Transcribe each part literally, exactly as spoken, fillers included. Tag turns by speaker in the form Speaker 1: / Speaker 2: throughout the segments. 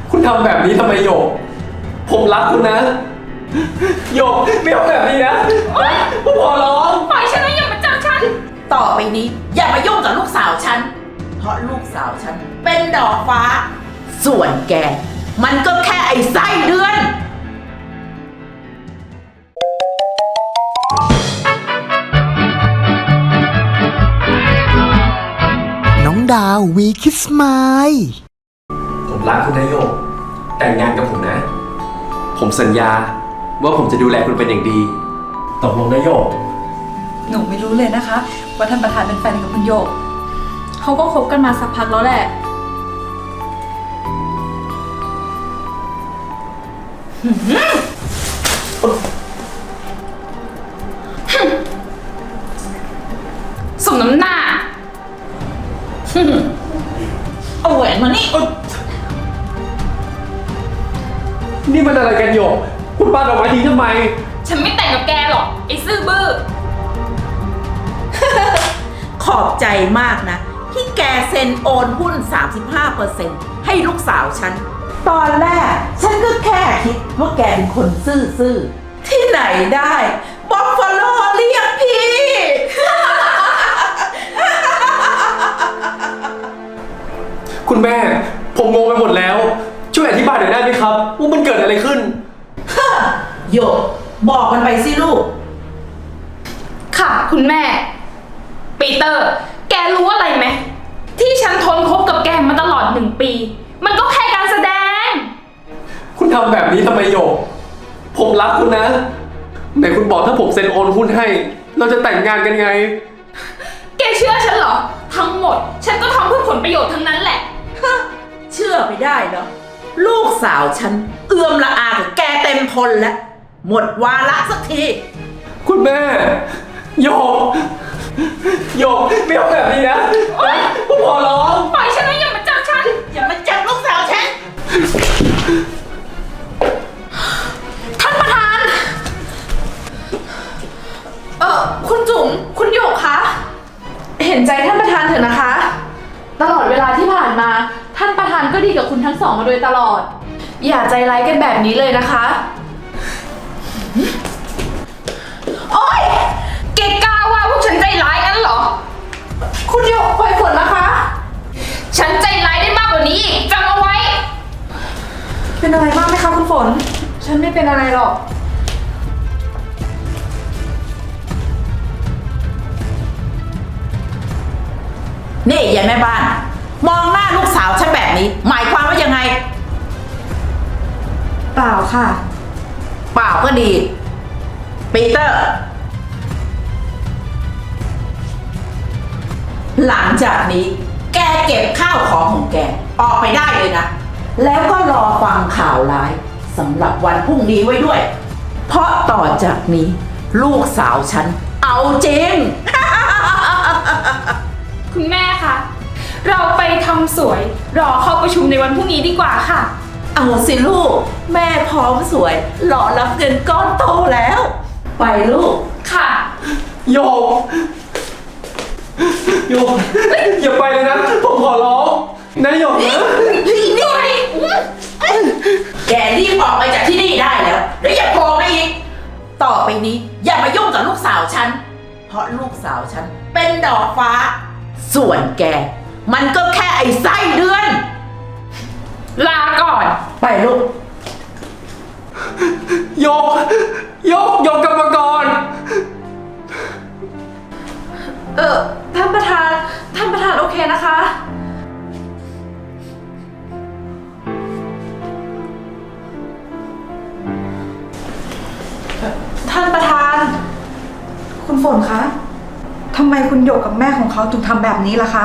Speaker 1: คุณทำแบบนี้ทำไมโยกผมรักคุณนะโยกไม่เอาแบบนี้นะผมขอร้อง
Speaker 2: ปล่อยฉันนะอย่ามาจับฉัน
Speaker 3: ต่อไปนี้อย่ามายุ่งกับลูกสาวฉันเพราะลูกสาวฉันเป็นดอกฟ้าส่วนแกมันก็แค่ไอ้ไส้เดือน
Speaker 4: น้องดาววีคิสมาย
Speaker 1: ผมรักคุณนะโยกแต่งงานกับผมนะผมสัญญาว่าผมจะดูแลคุณเป็นอย่างดีตกลงนะโยก
Speaker 5: หนูไม่รู้เลยนะคะว่าท่านประธานเป็นแฟนกับคุณโยก
Speaker 2: เขาก็คบกันมาสักพักแล้วแหละสมน้ำหน้า
Speaker 3: เอาแหวนมานี่
Speaker 1: นี่มันอะไรกันโยกคุณปาดอกไม้ทิ้งทำไม
Speaker 2: ฉันไม่แต่งกับแกหรอกไอ้ซื่อบื้อ
Speaker 3: ขอบใจมากนะที่แกเซ็นโอนหุ้น สามสิบห้าเปอร์เซ็นต์ ให้ลูกสาวฉันตอนแรกฉันก็แค่คิดว่าแกเป็นคนซื่อๆที่ไหนได้บัฟฟาโลเรียกพี่
Speaker 1: คุณแม่ผมงงไปหมดแล้วช่วยอธิบายหน่อยได้ไหมครับว่ามันเกิดอะไรขึ้น
Speaker 3: โยกบอกมันไปสิลูก
Speaker 2: ค่ะคุณแม่ปีเตอร์แกรู้อะไรไหมที่ฉันทนคบกับแกมาตลอดหนึ่งปีมันก็แค่การแสดง
Speaker 1: คุณทำแบบนี้ทำไมโยกผมรักคุณนะไหนคุณบอกถ้าผมเซ็นโอนหุ้นให้เราจะแต่งงานกันไง
Speaker 2: แกเชื่อฉันเหรอทั้งหมดฉันก็ทำเพื่อผลประโยชน์ทั้งนั้นแหละ
Speaker 3: เชื่อไม่ได้เนาะลูกสาวฉันเอื้อมละอากับแกเต็มทนแล้วหมดวาระสักที
Speaker 1: คุณแม่โยกโยกไม่เอาแบบนี้นะผมขอร้อง
Speaker 2: ปล่อยฉันนะอย่ามาจับฉัน
Speaker 3: อย่ามาจับลูกสาวฉัน
Speaker 2: ท่านประธานเออคุณจุ๋มคุณโยกคะเห็นใจท่านประธานเถอะนะคะตลอดเวลาที่ผ่านมาท่านประธานก็ดีกับคุณทั้งสองมาโดยตลอดอย่าใจร้ายกันแบบนี้เลยนะคะโอ๊ยเกกล้าว่าพวกฉันใจร้ายงั้นเหรอคุณโยกปล่อยฝนนะคะฉันใจร้ายได้มากกว่านี้อีกจำเอาไว้เป็นอะไรมากไหมคะคุณฝนฉันไม่เป็นอะไรหรอก
Speaker 3: นี่ยายแม่บ้านมองหน้าลูกสาวฉันแบบนี้หมายความว่ายังไง
Speaker 5: เปล่าค่ะ
Speaker 3: เปล่าก็ดีปีเตอร์หลังจากนี้แกเก็บข้าวของของแกออกไปได้เลยนะแล้วก็รอฟังข่าวร้ายสำหรับวันพรุ่งนี้ไว้ด้วยเพราะต่อจากนี้ลูกสาวฉันเอาจริง
Speaker 2: คุณแม่คะเราไปทำสวยรอเข้าประชุมในวันพรุ่งนี้ดีกว่าค่ะ
Speaker 3: เอาสิลูกแม่พร้อมสวยรอรับเงินก้อนโตแล้วไปลูก
Speaker 2: ค่ะ
Speaker 1: โยกโยกอย่าไปเลยนะผมขอร้องนะโยกนะ
Speaker 3: นี่นี่แกรีบออกไปจากที่นี่ได้แล้วแล้วอย่าโผล่มาอีกต่อไปนี้อย่ามายุ่งกับลูกสาวฉันเพราะลูกสาวฉันเป็นดอกฟ้าส่วนแกมันก็แค่ไอ้ไส้เดือน
Speaker 2: ลาก่อน
Speaker 3: ไปลูก
Speaker 1: โยกโยกโยกกลับมาก่อน
Speaker 2: เออท่านประธานท่านประธานโอเคนะคะ
Speaker 5: ท่านประธานคุณฝนคะทำไมคุณโยกกับแม่ของเขาถึงทำแบบนี้ล่ะคะ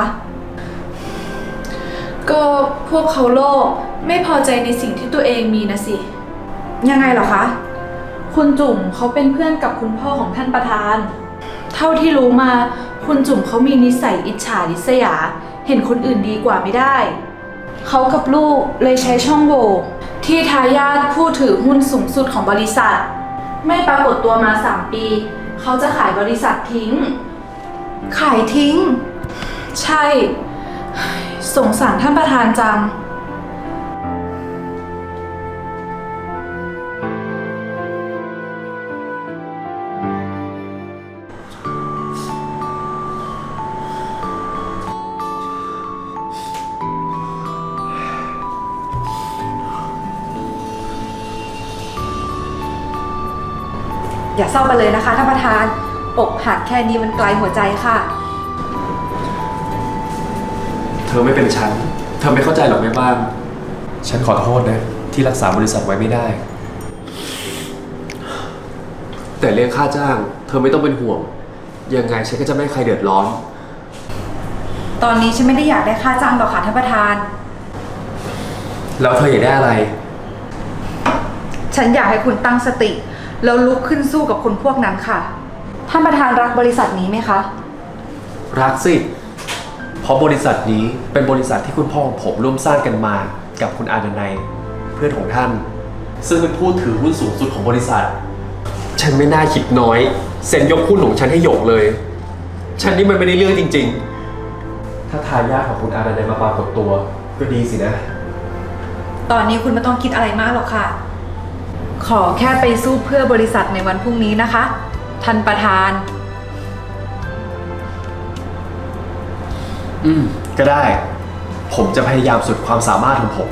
Speaker 2: ก็พวกเขาโลภไม่พอใจในสิ่งที่ตัวเองมีนะสิ
Speaker 5: ยังไงเหรอคะ
Speaker 2: คุณจุ๋มเขาเป็นเพื่อนกับคุณพ่อของท่านประธานเท่าที่รู้มาคุณจุ๋มเขามีนิสัยอิจฉาริษยาเห็นคนอื่นดีกว่าไม่ได้เขากับลูกเลยใช้ช่องโหว่ที่ทายาทผู้ถือหุ้นสูงสุดของบริษัทไม่ปรากฏตัวมาสามปีเขาจะขายบริษัททิ้ง
Speaker 5: ขายทิ้ง
Speaker 2: ใช่สงสารท่านประธานจัง
Speaker 5: อย่าเศร้าไปเลยนะคะท่านประธานอกหักแค่นี้มันไกลหัวใจค่ะ
Speaker 1: เธอไม่เป็นฉัน เธอไม่เข้าใจหรอกแม่บ้าน ฉันขอโทษนะที่รักษาบริษัทไว้ไม่ได้ แต่เรื่องค่าจ้าง เธอไม่ต้องเป็นห่วง ยังไงฉันก็จะไม่ให้ใครเดือดร้อน
Speaker 5: ตอนนี้ฉันไม่ได้อยากได้ค่าจ้างหรอกค่ะท่านประธาน
Speaker 1: แล้วเธออยากได้อะไร
Speaker 5: ฉันอยากให้คุณตั้งสติแล้วลุกขึ้นสู้กับคนพวกนั้นค่ะท่านประธานรักบริษัทนี้ไหมคะ
Speaker 1: รักสิ เพราะบริษัทนี้เป็นบริษัทที่คุณพ่อของผมร่วมสร้างกันมากับคุณอาดนัยเพื่อนของท่าน ซึ่งเป็นผู้ถือหุ้นสูงสุดของบริษัท ฉันไม่น่าคิดน้อยเซ็นยกหุ้นของฉันให้หยกเลย ฉันนี่มันไม่ได้เรื่องจริงๆ ถ้าทายาทของคุณอาดนัยมาปรากฏตัวก็ดีสินะ
Speaker 5: ตอนนี้คุณไม่ต้องคิดอะไรมากหรอกค่ะ ขอแค่ไปสู้เพื่อบริษัทในวันพรุ่งนี้นะคะท่านประธาน
Speaker 1: อืม ก็ได้ ผมจะพยายามสุดความสามารถของผม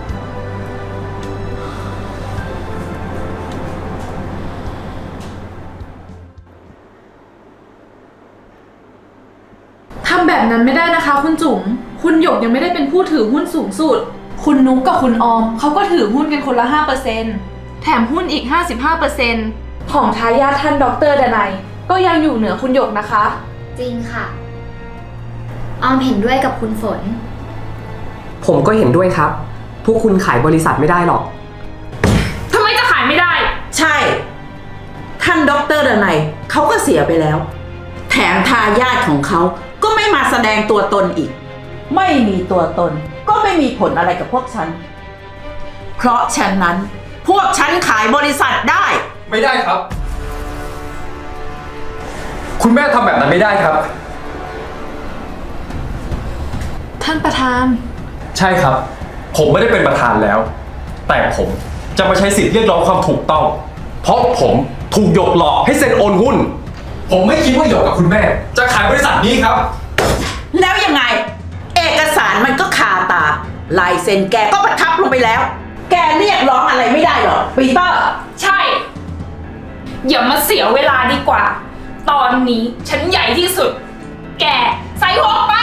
Speaker 2: ทำแบบนั้นไม่ได้นะคะคุณจุ๋ม คุณหยกยังไม่ได้เป็นผู้ถือหุ้นสูงสุด คุณนุ๊กกับคุณออมเขาก็ถือหุ้นกันคนละ ห้าเปอร์เซ็นต์ แถมหุ้นอีก ห้าสิบห้าเปอร์เซ็นต์ ของทายาทท่านดรดนัยก็ยังอยู่เหนือคุณหยกนะคะ
Speaker 6: จริงค่ะ ออมเห็นด้วยกับคุณฝน
Speaker 7: ผมก็เห็นด้วยครับ พวกคุณขายบริษัทไม่ได้หรอก
Speaker 2: ทำไมจะขายไม่ได้
Speaker 3: ใช่ ท่านด็อกเตอร์ดนัยเขาก็เสียไปแล้ว แถมทายาทของเขาก็ไม่มาแสดงตัวตนอีก ไม่มีตัวตนก็ไม่มีผลอะไรกับพวกฉัน เพราะฉะนั้นพวกฉันขายบริษัทได้
Speaker 1: ไม่ได้ครับ คุณแม่ทำแบบนั้นไม่ได้ครับ
Speaker 2: ท่านประธาน
Speaker 1: ใช่ครับ ผมไม่ได้เป็นประธานแล้ว แต่ผมจะมาใช้สิทธิ์เรียกร้องความถูกต้อง เพราะผมถูกหยกหลอกให้เซ็นโอนหุ้น ผมไม่คิดว่าหยกกับคุณแม่ จะขายบริษัทนี้ครับ
Speaker 3: แล้วยังไง เอกสารมันก็คาตา ลายเซ็นแกก็ประทับลงไปแล้ว แกเรียกร้องอะไรไม่ได้หรอปีเตอร์
Speaker 8: ใช่ อย่ามาเสียเวลาดีกว่า ตอนนี้ฉันใหญ่ที่สุด แกใส่หัวไป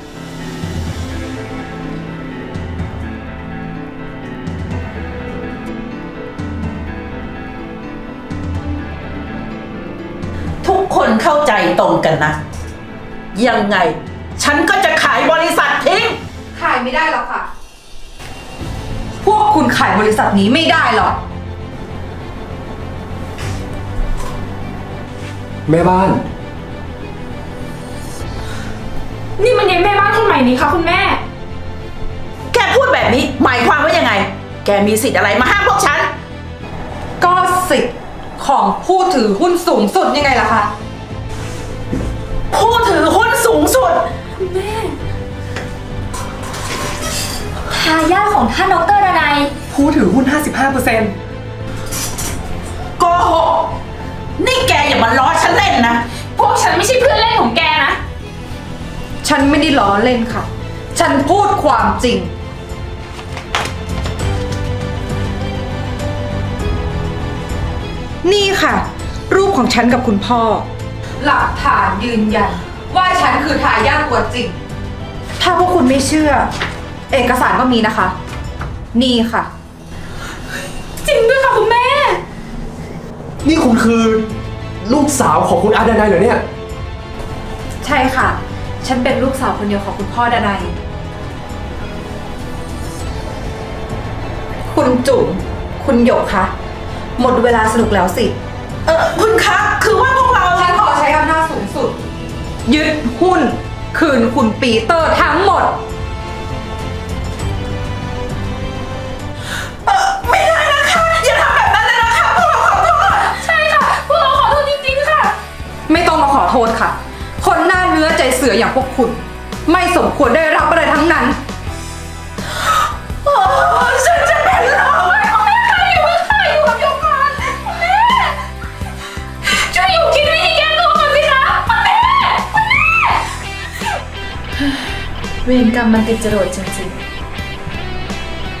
Speaker 3: ทุกคนเข้าใจตรงกันนะ ยังไง ฉันก็จะขายบริษัททิ้ง
Speaker 5: ขายไม่ได้หรอกค่ะ พวกคุณขายบริษัทนี้ไม่ได้หรอก
Speaker 1: แม่บ้าน
Speaker 8: นี่มันยังแม่บ้านคนใหม่นี้ค่ะคุณแม่
Speaker 3: แกพูดแบบนี้หมายความว่ายังไง แกมีสิทธิ์อะไรมาห้ามพวกฉัน
Speaker 5: ก็สิทธิ์ของผู้ถือหุ้นสูงสุดยังไงล่ะคะ
Speaker 3: ผู้ถือหุ้นสูงสุด
Speaker 6: ทายาทของท่านดรดนัย
Speaker 7: ผู้ถือหุ้น ห้าสิบห้าเปอร์เซ็นต์
Speaker 3: โกหก นี่แกอย่ามาล้อฉันเล่นนะ
Speaker 8: พวกฉันไม่ใช่เพื่อนเล่นของแกนะ
Speaker 5: ฉันไม่ได้ล้อเล่นค่ะ ฉันพูดความจริง นี่ค่ะ รูปของฉันกับคุณพ่อ หลักฐานยืนยันว่าฉันคือทายาทตัวจริง ถ้าพวกคุณไม่เชื่อ เอกสารก็มีนะคะ นี่ค่ะ
Speaker 8: จริงด้วยค่ะคุณแม่
Speaker 1: นี่คุณคือลูกสาวของคุณอาดนัยเหรอเนี่ย
Speaker 5: ใช่ค่ะ ฉันเป็นลูกสาวคนเดียวของคุณพ่อดนัย คุณจุ๋ม คุณหยกคะ หมดเวลาสนุกแล้วสิ
Speaker 3: เออคุณคะ คือว่าพวกเรา
Speaker 5: ฉันขอใช้อำนาจสูงสุด ยึดหุ้น คืนคุณปีเตอร์ทั้งหมด
Speaker 3: เออไม่ได้นะคะ อย่าทำแบบนั้นเลยนะคะ พวกเราขอโทษ
Speaker 8: ใช่ค่ะ พวกเราขอโทษจริงๆค่ะ
Speaker 5: ไม่ต้องมาขอโทษค่ะ คนหน้าเนื้อใจเสืออย่างพวกคุณ ไม่สมควรได้รับอะไรทั้งนั้น
Speaker 3: โอ้ฉันจะเป็นลม
Speaker 8: คุณแม่คะอยู่ค่ะอยู่กับโยกก่อนคุณแม่ช่วยอยู่คิดวิธีแก้ตัวก่อนสิคะคุณแม่คุณแม่
Speaker 2: เวรกรรมมันติดจรวดจริงๆ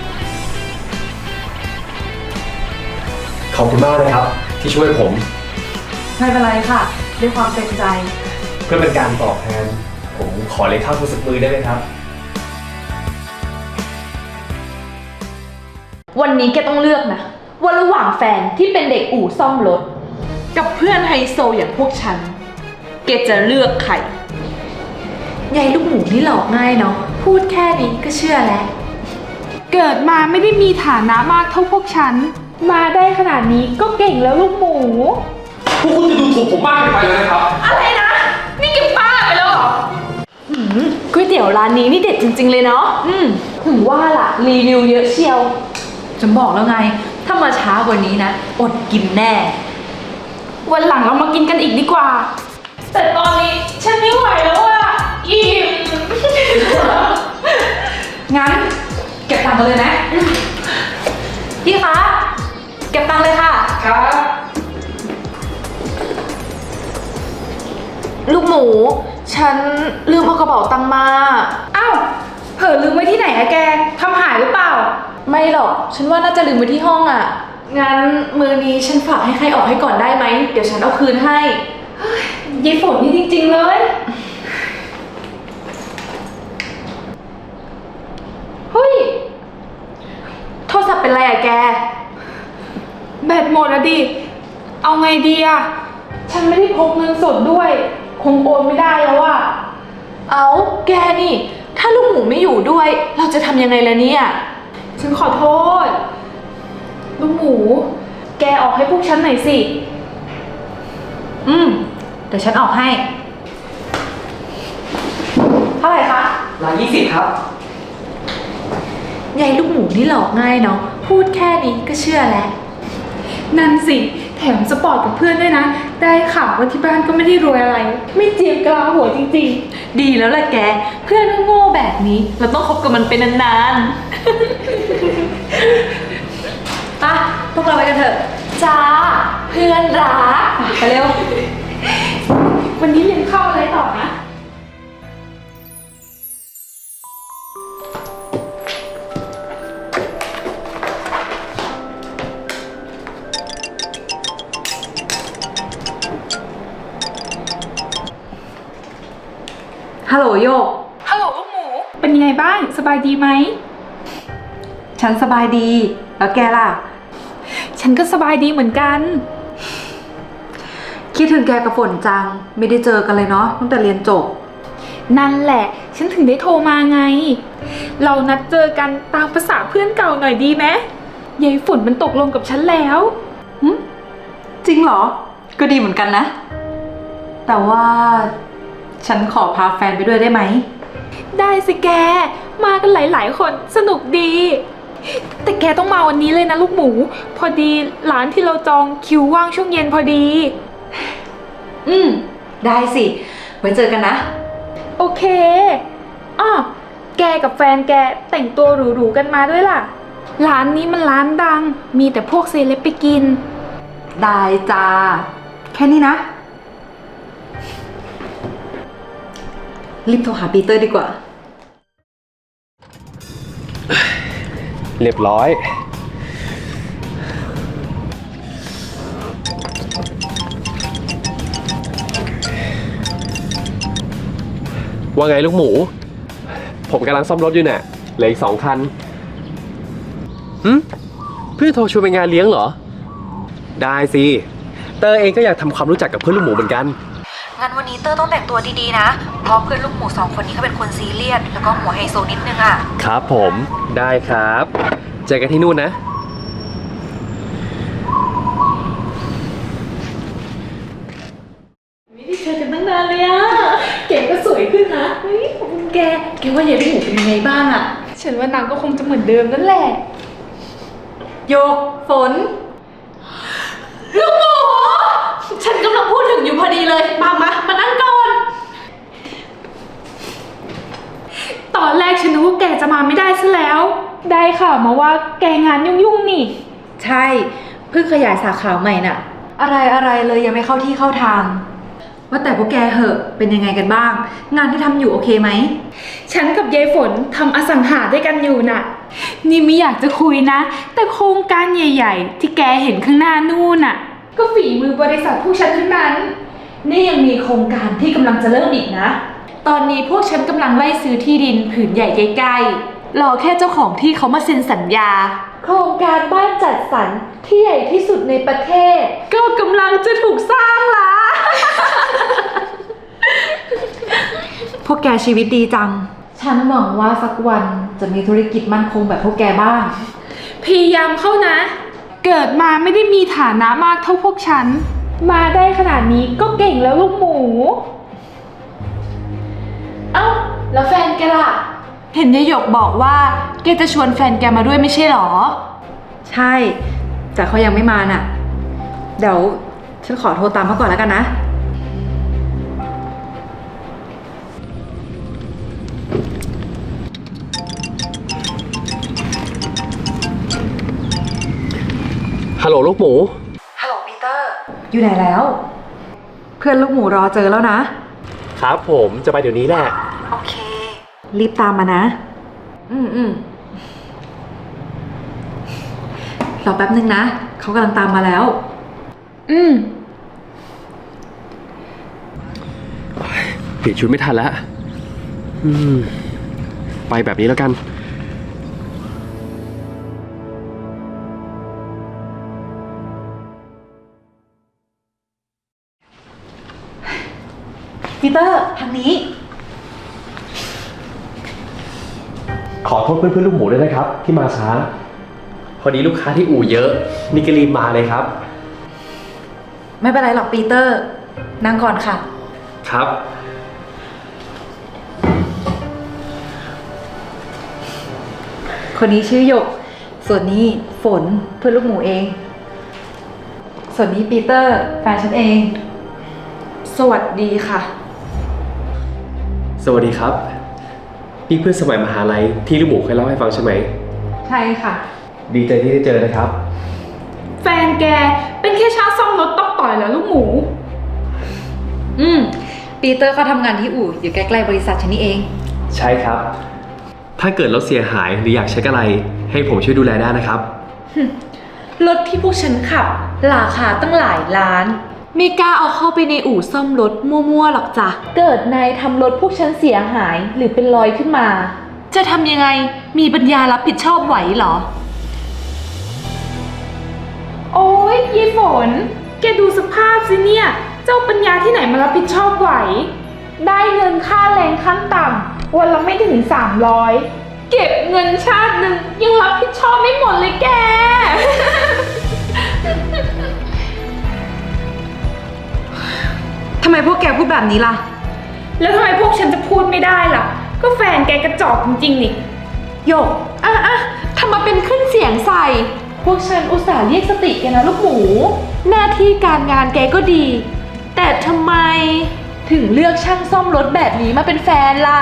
Speaker 1: ขอบคุณมากนะครับ ที่ช่วยผม
Speaker 2: ไม่เป็นไรค่ะ ด้วยความเต็มใจ
Speaker 1: เพื่อเป็นการตอบแทน ผมขอเลยข้าวมือสักมือได้ไหมครับ
Speaker 2: วันนี้แกต้องเลือกนะว่าระหว่างแฟนที่เป็นเด็กอู่ซ่อมรถ กับเพื่อนไฮโซอย่างพวกฉัน แกจะเลือกใครยายลูกหมูนี่หลอกง่ายเนาะพูดแค่นี้ก็เชื่อแล้ว
Speaker 8: เกิดมาไม่ได้มีฐานะมากเท่าพวกฉัน มาได้ขนาดนี้ก็เก่งแล้วลูกหมู
Speaker 1: พวกคุณจะดูถูกผมมากเกินไปแล้วนะครับ
Speaker 8: อะไรนะ นี่แกบ้าไปแล้วเหรอ
Speaker 2: อืมก๋วยเตี๋ยวร้านนี้นี่เด็ดจริงๆเลยเนาะอืมถึงว่าล่ะรีวิวเยอะเชียวฉันบอกแล้วไง ถ้ามาช้ากว่านี้นะ อดกินแน่
Speaker 8: วันหลังเรามากินกันอีกดีกว่า แต่ตอนนี้ฉันไม่ไหวแล้วอะอิ่ม
Speaker 2: งั้นเก็บตังค์กันเลยไหมพี่คะ เก็บตังค์เลยค่ะ
Speaker 7: ครับ
Speaker 2: ลูกหมู ฉันลืมเอากระเป๋าตังค์มา
Speaker 8: อ้าว เผลอลืมไว้ที่ไหนอะแกทำหายหรือเปล่า
Speaker 2: ไม่หรอก ฉันว่าน่าจะลืมไว้ที่ห้องอ่ะ งั้นมือนี้ฉันฝากให้ใครออกให้ก่อนได้ไหม เดี๋ยวฉันเอาคืนให้
Speaker 8: ยายฝนนี่จริงๆเลย เฮ้ย
Speaker 2: โทรศัพท์เป็นไรอะแก
Speaker 8: แบตหมดอะดิ เอาไงดีอะฉันไม่ได้พกเงินสดด้วย คงโอนไม่ได้แล้วอะ
Speaker 2: เอาแกนี่ ถ้าลูกหมูไม่อยู่ด้วย เราจะทำยังไงล่ะเนี่ย
Speaker 8: ฉันขอโทษ ลูกหมู แกออกให้พวกฉันหน่อยสิ
Speaker 5: อืม เดี๋ยวฉันออกให้ เท่าไหร่คะ
Speaker 7: ร้อยยี่สิบครับ
Speaker 2: ยายลูกหมูนี่หลอกง่ายเนาะ พูดแค่นี้ก็เชื่อแล้ว
Speaker 8: นั่นสิ แถมสปอร์ตกับเพื่อนด้วยนะ ได้ข่าวว่าที่บ้านก็ไม่ได้รวยอะไร ไม่เจียมกลาหัวจริงๆ
Speaker 2: ดีแล้วล่ะแก เพื่อนโง่แบบนี้ เราต้องคบกับมันเป็นนานๆ ป่ะ พวกเราไปกันเถอะ จ้า เพื่อนรักไปเร็ว
Speaker 8: วันนี้เรียนเข้าอะไรต่อนะ
Speaker 5: ฮัลโหลโยก
Speaker 8: ฮัลโหลลูกหมู เป็นยังไงบ้าง สบายดีไหม
Speaker 5: ฉันสบายดี แล้วแกล่ะ
Speaker 8: ฉันก็สบายดีเหมือนกัน
Speaker 5: คิดถึงแกกับฝนจัง ไม่ได้เจอกันเลยเนาะตั้งแต่เรียนจบ
Speaker 8: นั่นแหละ ฉันถึงได้โทรมาไง เรานัดเจอกันตามภาษาเพื่อนเก่าหน่อยดีไหมยายฝนมันตกลงกับฉันแล้ว
Speaker 5: จริงเหรอ ก็ดีเหมือนกันนะ แต่ว่าฉันขอพาแฟนไปด้วยได้ไหม
Speaker 8: ได้สิแก มากันหลายๆคนสนุกดี แต่แกต้องมาวันนี้เลยนะลูกหมู พอดีร้านที่เราจองคิวว่างช่วงเย็นพอดี
Speaker 5: อืม ได้สิ ไว้เจอกันนะ
Speaker 8: โอเคอ้อแกกับแฟนแกแต่งตัวหรูๆกันมาด้วยล่ะ ร้านนี้มันร้านดัง มีแต่พวกเซเลบไปกิน
Speaker 5: ได้จ้า แค่นี้นะ รีบโทรหาปีเตอร์ดีกว่า
Speaker 1: เรียบร้อย ว่าไงลูกหมู ผมกำลังซ่อมรถอยู่เนี่ยเหลืออีกสองคันหืมเพื่อนโทรชวนไปงานเลี้ยงเหรอ ได้สิ เตอร์เองก็อยากทำความรู้จักกับเพื่อนลูกหมูเหมือนกัน
Speaker 5: งั้นวันนี้เตอร์ต้องแต่งตัวดีๆนะ เพราะเพื่อนลูกหมูสองคนนี้เขาเป็นคนซีเรียส แล้วก็หัวไฮโซนิดนึงอ่ะ
Speaker 1: ครับผม ได้ครับ เจอกันที่นู่นนะ
Speaker 2: ไม่ได้เจอกันตั้งนานเลยอะแกก็สวยขึ้นนะเฮ้ยขอบคุณแก แกว่ายายลูกหมูเป็นยังไงบ้างอะ
Speaker 8: ฉันว่านางก็คงจะเหมือนเดิมนั่นแหละ
Speaker 5: โยก ฝน
Speaker 2: ลูกหมู ฉันกำลังพูดถึงอยู่พอดีเลย มามามานั่งก่อน
Speaker 8: ตอนแรกฉันนึกว่าแกจะมาไม่ได้ซะแล้ว ได้ข่าวมาว่าแกงานยุ่งๆนี่
Speaker 5: ใช่ เพิ่งขยายสาขาใหม่น่ะ อะไรอะไรเลยยังไม่เข้าที่เข้าทาง ว่าแต่พวกแกเหอะ เป็นยังไงกันบ้าง งานที่ทำอยู่โอเคไหม
Speaker 8: ฉันกับยายฝนทำอสังหาด้วยกันอยู่น่ะ นี่ไม่อยากจะคุยนะ แต่โครงการใหญ่ๆ ที่แกเห็นข้างหน้านู่นน่ะก็ฝีมือบริษัทพวกฉันทั้งนั้น
Speaker 2: นี่ยังมีโครงการที่กำลังจะเริ่มอีกนะ ตอนนี้พวกฉันกำลังไล่ซื้อที่ดินผืนใหญ่ใกล้ๆ รอแค่เจ้าของที่เขามาเซ็นสัญญา โครงการบ้านจัดสรรที่ใหญ่ที่สุดในประเทศ ก็กำลังจะถูกสร้างละ
Speaker 5: พวกแกชีวิตดีจัง ฉันหวังว่าสักวันจะมีธุรกิจมั่นคงแบบพวกแกบ้าง
Speaker 8: พยายามเข้านะ เกิดมาไม่ได้มีฐานะมากเท่าพวกฉัน มาได้ขนาดนี้ก็เก่งแล้วลูกหมู
Speaker 2: เอ้า แล้วแฟนแกล่ะ เห็นยายหยกบอกว่าแกจะชวนแฟนแกมาด้วยไม่ใช่หรอ
Speaker 5: ใช่ แต่เขายังไม่มาน่ะ เดี๋ยวฉันขอโทรตามเขาก่อนแล้วกันนะ
Speaker 1: ฮัลโหลลูกหมู
Speaker 5: ฮัลโหลปีเตอร์ อยู่ไหนแล้ว เพื่อนลูกหมูรอเจอแล้วนะ
Speaker 1: ครับผมจะไปเดี๋ยวนี้แหละ
Speaker 5: โอเค รีบตามมานะ อืมอืมรอแป๊บนึงนะ เขากำลังตามมาแล้ว
Speaker 8: อืม
Speaker 1: เปลี่ยนชุดไม่ทันแล้ว อืม ไปแบบนี้แล้วกัน
Speaker 5: ปีเตอร์ทางนี้
Speaker 1: ขอโทษเพื่อนเพื่อนลูกหมูด้วยนะครับ ที่มาช้า พอดีลูกค้าที่อู่เยอะ นี่ก็รีบมาเลยครับ
Speaker 5: ไม่เป็นไรหรอกปีเตอร์ นั่งก่อนค่ะ
Speaker 1: ครับ
Speaker 5: คนนี้ชื่อหยก ส่วนนี้ฝนเพื่อนลูกหมูเอง ส่วนนี้ปีเตอร์แฟนฉันเอง
Speaker 2: สวัสดีค่ะ
Speaker 1: สวัสดีครับ นี่เพื่อนสมัยมหาลัยที่ลูกหมูเคยเล่าให้ฟังใช่ไหม
Speaker 5: ใช่ค่ะ
Speaker 1: ดีใจที่ได้เจอนะครับ
Speaker 8: แฟนแกเป็นแค่ช่างซ่อมรถตอกต่อยเหรอลูกหมู
Speaker 5: อืม ปีเตอร์เขาทำงานที่อู่อยู่ใกล้ๆบริษัทฉันนี่เอง
Speaker 1: ใช่ครับ ถ้าเกิดรถเสียหายหรืออยากเช็คอะไร ให้ผมช่วยดูแลได้นะครับ
Speaker 2: รถที่พวกฉันขับ ราคาตั้งหลายล้าน ไม่กล้าเอาเข้าไปในอู่ซ่อมรถมั่วๆหรอกจ้ะ เกิดนายทำรถพวกฉันเสียหายหรือเป็นรอยขึ้นมา จะทำยังไง มีปัญญารับผิดชอบไหวเหรอ
Speaker 8: โอ้ยยายฝน แกดูสภาพสิเนี่ย เจ้าปัญญาที่ไหนมารับผิดชอบไหว ได้เงินค่าแรงขั้นต่ำวันละไม่ถึงสามร้อยเก็บเงินชาติหนึ่งยังรับผิดชอบไม่หมดเลยแก
Speaker 5: ทำไมพวกแกพูดแบบนี้ล่ะ
Speaker 8: แล้วทำไมพวกฉันจะพูดไม่ได้ล่ะ ก็แฟนแกกระจอกจริงๆนี่
Speaker 5: หยก
Speaker 2: อ่ะอ่ะทำมาเป็นขึ้นเสียงใส่ พวกฉันอุตส่าห์เรียกสติแกนะลูกหมู หน้าที่การงานแกก็ดี แต่ทำไมถึงเลือกช่างซ่อมรถแบบนี้มาเป็นแฟนล่ะ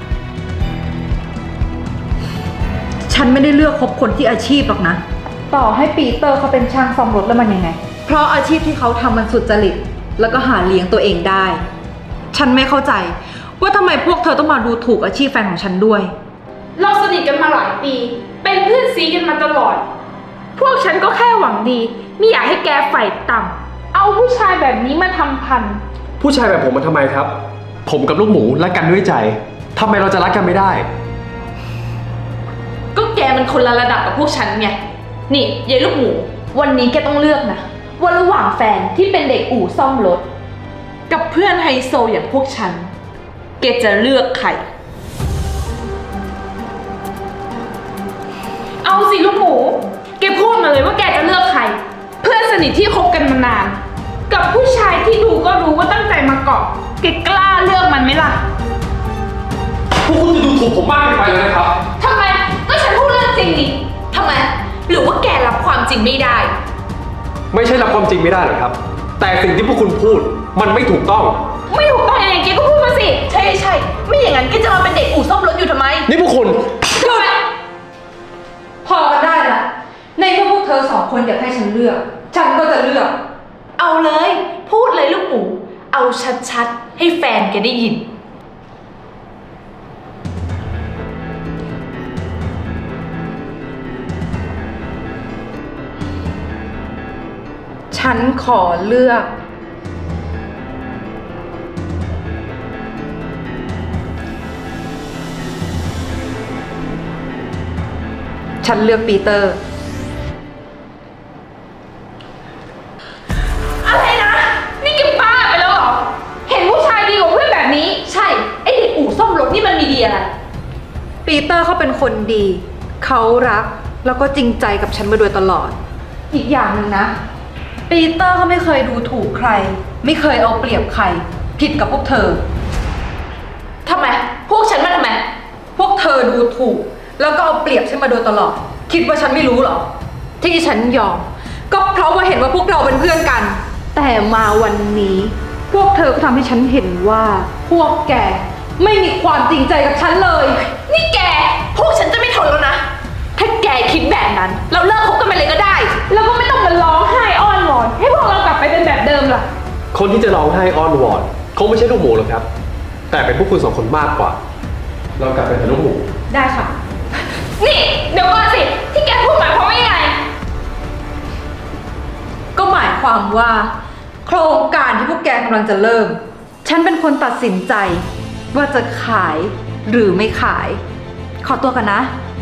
Speaker 5: ฉันไม่ได้เลือกคบคนที่อาชีพหรอกนะ ต่อให้ปีเตอร์เขาเป็นช่างซ่อมรถแล้วมันยังไง เพราะอาชีพที่เขาทำมันสุจริต แล้วก็หาเลี้ยงตัวเองได้ ฉันไม่เข้าใจว่าทำไมพวกเธอต้องมาดูถูกอาชีพแฟนของฉันด้วย
Speaker 8: เราสนิทกันมาหลายปี เป็นเพื่อนซีกันมาตลอด พวกฉันก็แค่หวังดี ไม่อยากให้แกฝ่ายต่ำเอาผู้ชายแบบนี้มาทำพัน
Speaker 1: ผู้ชายแบบผมมาทำไมครับ ผมกับลูกหมูรักกันด้วยใจทำไมเราจะรักกันไม่ได้
Speaker 2: ก็แกมันคนละระดับกับพวกฉันไง นี่ยายลูกหมู วันนี้แกต้องเลือกนะว่าระหว่างแฟนที่เป็นเด็กอู่ซ่อมรถ กับเพื่อนไฮโซอย่างพวกฉัน แกจะเลือกใคร
Speaker 8: เอาสิลูกหมู แกพูดมาเลยว่าแกจะเลือกใคร เพื่อนสนิทที่คบกันมานาน กับผู้ชายที่ดูก็รู้ว่าตั้งใจมาเกาะ แกกล้าเลือกมันไหมล่ะ
Speaker 1: พวกคุณจะดูถูกผมมากเกินไปแล้วนะครับ
Speaker 8: ทำไม ก็ฉันพูดเรื่องจริงนี่
Speaker 2: ทำไม หรือว่าแกรับความจริงไม่ได้
Speaker 1: ไม่ใช่รับความจริงไม่ได้หรอกครับ แต่สิ่งที่พวกคุณพูดมันไม่ถูกต้อง
Speaker 8: ไม่ถูกต้องยังไงแกก็พูดมาสิ
Speaker 2: ใช่ใช่ ไม่อย่างนั้นแกจะมาเป็นเด็กอู่ซ่อมรถอยู่ทำไม
Speaker 1: นี่พวกคุณ
Speaker 8: ทำไม
Speaker 5: พอกันได้ละ ในเมื่อพวกเธอสองคนอยากให้ฉันเลือก ฉันก็จะเลือก
Speaker 2: เอาเลย พูดเลยลูกหมู เอาชัดๆ ให้แฟนแกได้ยิน
Speaker 5: ฉฉันขอเลือก ฉันเลือกปีเตอร์
Speaker 8: อะไรนะ นี่แกบ้าไปแล้วเหรอ เห็นผู้ชายดีกว่าเพื่อนแบบนี้
Speaker 2: ใช่ ไอเด็กอู่ซ่อมรถนี่มันมีดีอะไร
Speaker 5: ปีเตอร์เขาเป็นคนดี เขารักแล้วก็จริงใจกับฉันมาโดยตลอด อีกอย่างหนึ่งนะ ปีเตอร์เขาไม่เคยดูถูกใคร ไม่เคยเอาเปรียบใคร ผิดกับพวกเธอ
Speaker 2: ทำไม พวกฉันมาทำไม
Speaker 5: พวกเธอดูถูก แล้วก็เอาเปรียบฉันมาโดยตลอด คิดว่าฉันไม่รู้เหรอ ที่ฉันยอม ก็เพราะว่าเห็นว่าพวกเราเป็นเพื่อนกัน แต่มาวันนี้ พวกเธอก็ทำให้ฉันเห็นว่า พวกแกไม่มีความจริงใจกับฉันเลย
Speaker 2: นี่แก พวกฉันจะไม่ทนแล้วนะ ถ้าแกคิดแบบนั้น เราเลิกคบกันไปเลยก็ได้
Speaker 8: แล้วก็ไม่ต้องมาร้องไห้อ้อนวอน ให้พวกเรากลับไปเป็นแบบเดิมล่ะ
Speaker 1: คนที่จะร้องไห้อ้อนวอนคงไม่ใช่ลูกหมูหรอกครับ แต่เป็นพวกคุณสองคนมากกว่า เรากลับไปเป็นลูกหมู
Speaker 5: ได้ค่ะ
Speaker 8: นี่ เดี๋ยวก่อนสิ ที่แกพูดหมายความว่ายังไง
Speaker 5: ก็หมายความว่า โครงการที่พวกแกกำลังจะเริ่ม ฉันเป็นคนตัดสินใจ ว่าจะขายหรือไม่ขาย ขอตัวกันนะ
Speaker 8: ไ